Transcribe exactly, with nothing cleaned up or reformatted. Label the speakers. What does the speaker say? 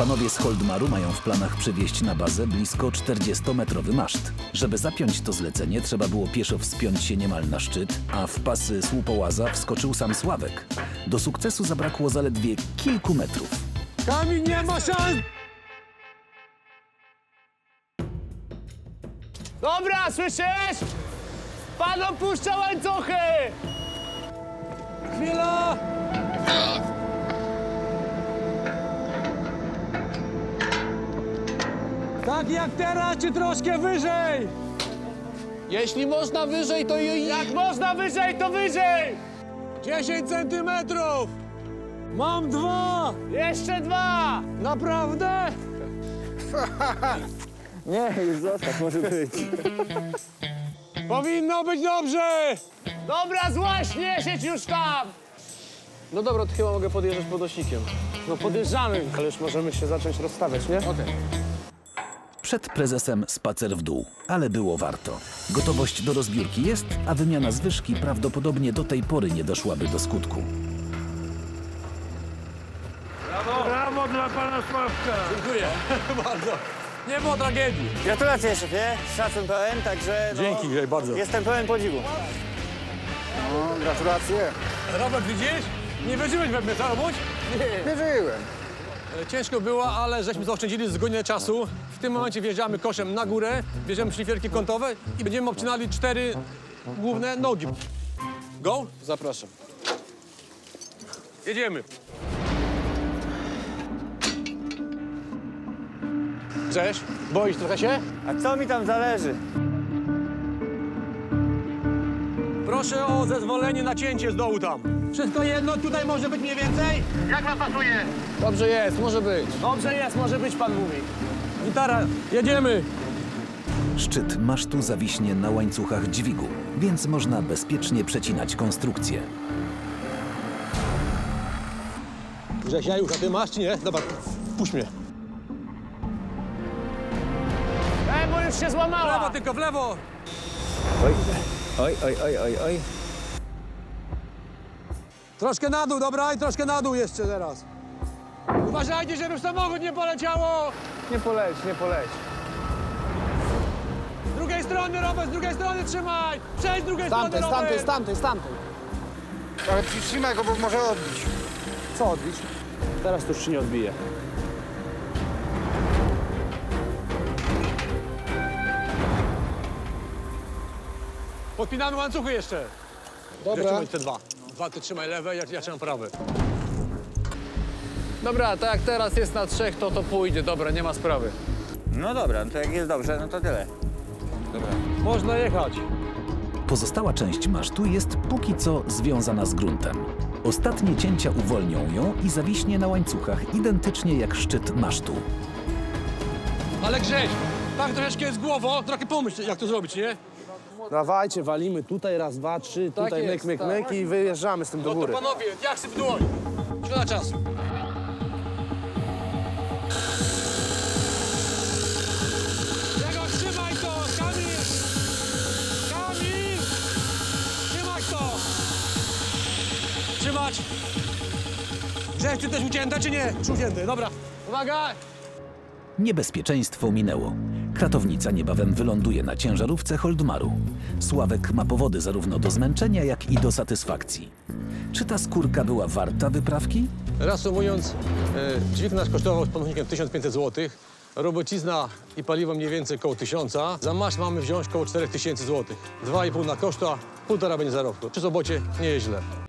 Speaker 1: Panowie z Holdmaru mają w planach przywieźć na bazę blisko czterdziestometrowy maszt. Żeby zapiąć to zlecenie, trzeba było pieszo wspiąć się niemal na szczyt, a w pasy słupołaza wskoczył sam Sławek. Do sukcesu zabrakło zaledwie kilku metrów.
Speaker 2: Kamil, nie ma szans!
Speaker 3: Dobra, słyszysz? Pan opuszcza łańcuchy!
Speaker 2: Chwila! Tak jak teraz, czy troszkę wyżej?
Speaker 3: Jeśli można wyżej, to i... Jak można wyżej, to wyżej!
Speaker 2: dziesięć centymetrów! Mam dwa!
Speaker 3: Jeszcze dwa!
Speaker 2: Naprawdę?
Speaker 4: Nie, już zostaw, może być.
Speaker 2: Powinno być dobrze!
Speaker 3: Dobra, złaś, nie siedź już tam!
Speaker 5: No dobra, to chyba mogę podjeżdżać podnośnikiem.
Speaker 3: No podjeżdżamy, ale już możemy się zacząć rozstawiać, nie?
Speaker 5: Okej.
Speaker 1: Przed prezesem spacer w dół, ale było warto. Gotowość do rozbiórki jest, a wymiana zwyżki prawdopodobnie do tej pory nie doszłaby do skutku.
Speaker 2: Brawo dla pana Sławka!
Speaker 5: Dziękuję bardzo. Nie było tragedii.
Speaker 4: Gratulacje, szefie. Szacun pełen, także no,
Speaker 2: Dzięki, Grzej, bardzo.
Speaker 4: jestem pełen podziwu.
Speaker 6: No, gratulacje.
Speaker 5: Robert, widzisz? Nie wierzyłeś we mnie, co robić?
Speaker 6: Wierzyłem.
Speaker 5: E, Ciężko było, ale żeśmy zaoszczędzili z godzinę czasu. W tym momencie wjeżdżamy koszem na górę, bierzemy szlifierki kątowe i będziemy obcinali cztery główne nogi. Go? Zapraszam. Jedziemy. Cześć, boisz trochę się?
Speaker 4: A co mi tam zależy?
Speaker 5: Proszę o zezwolenie na cięcie z dołu tam. Wszystko jedno, tutaj może być mniej więcej?
Speaker 3: Dobrze jest, może być. Dobrze jest, może być, pan mówi.
Speaker 5: Gitara, jedziemy.
Speaker 1: Szczyt masztu zawiśnie na łańcuchach dźwigu, więc można bezpiecznie przecinać konstrukcję.
Speaker 5: Grzesia, już, a ty masz czy nie? Dobra, puść mnie.
Speaker 3: Ej, bo już się
Speaker 5: W lewo
Speaker 3: złamała!
Speaker 5: tylko, w lewo.
Speaker 4: Oj, oj, oj, oj, oj, oj.
Speaker 5: Troszkę na dół, dobra? I troszkę na dół jeszcze teraz. Uważajcie, żeby samochód nie poleciało!
Speaker 3: Nie poleć, nie poleć.
Speaker 5: Z drugiej strony, Robert, z drugiej strony trzymaj! Przejdź z drugiej strony, Robert!
Speaker 3: tamtej, z tamtej.
Speaker 6: Ale przytrzymaj go, bo może odbić.
Speaker 3: Co odbić? Teraz to już się nie odbije.
Speaker 5: Podpinamy łańcuchy jeszcze.
Speaker 3: Dobra.
Speaker 5: Trzymaj te dwa. Dwa ty trzymaj lewe, ja, ja trzymam prawe.
Speaker 7: Dobra, tak jak teraz jest na trzech, to to pójdzie. Dobra, nie ma sprawy.
Speaker 4: No dobra, no to jak jest dobrze, no to tyle.
Speaker 5: Można jechać.
Speaker 1: Pozostała część masztu jest póki co związana z gruntem. Ostatnie cięcia uwolnią ją i zawiśnie na łańcuchach identycznie jak szczyt masztu.
Speaker 5: Ale Grześ, tak troszeczkę jest głową, trochę pomyśl, jak to zrobić, nie?
Speaker 3: Dawajcie, walimy tutaj, raz, dwa, trzy,
Speaker 7: Tak
Speaker 3: tutaj myk,
Speaker 7: jest,
Speaker 3: myk,
Speaker 7: tak.
Speaker 3: myk i wyjeżdżamy z tym do
Speaker 5: No to
Speaker 3: góry.
Speaker 5: panowie, jak syp dłoń. Szkoda czasu. Grzegorz, trzymaj to! Kamil! Kamil! Trzymaj to! Trzymać! Grzech, ty też ucięte, czy nie? Czy ucięty? Dobra. Uwaga!
Speaker 1: Niebezpieczeństwo minęło. Kratownica niebawem wyląduje na ciężarówce Holdmaru. Sławek ma powody zarówno do zmęczenia, jak i do satysfakcji. Czy ta skórka była warta wyprawki?
Speaker 5: Reasumując, e, dźwig nasz kosztował z pomocnikiem tysiąc pięćset złotych, robocizna i paliwo mniej więcej koło tysiąca. Za maszt mamy wziąć koło czterech tysięcy złotych. Dwa i pół na koszta, półtora będzie zarobku. Przy sobocie nie jest źle.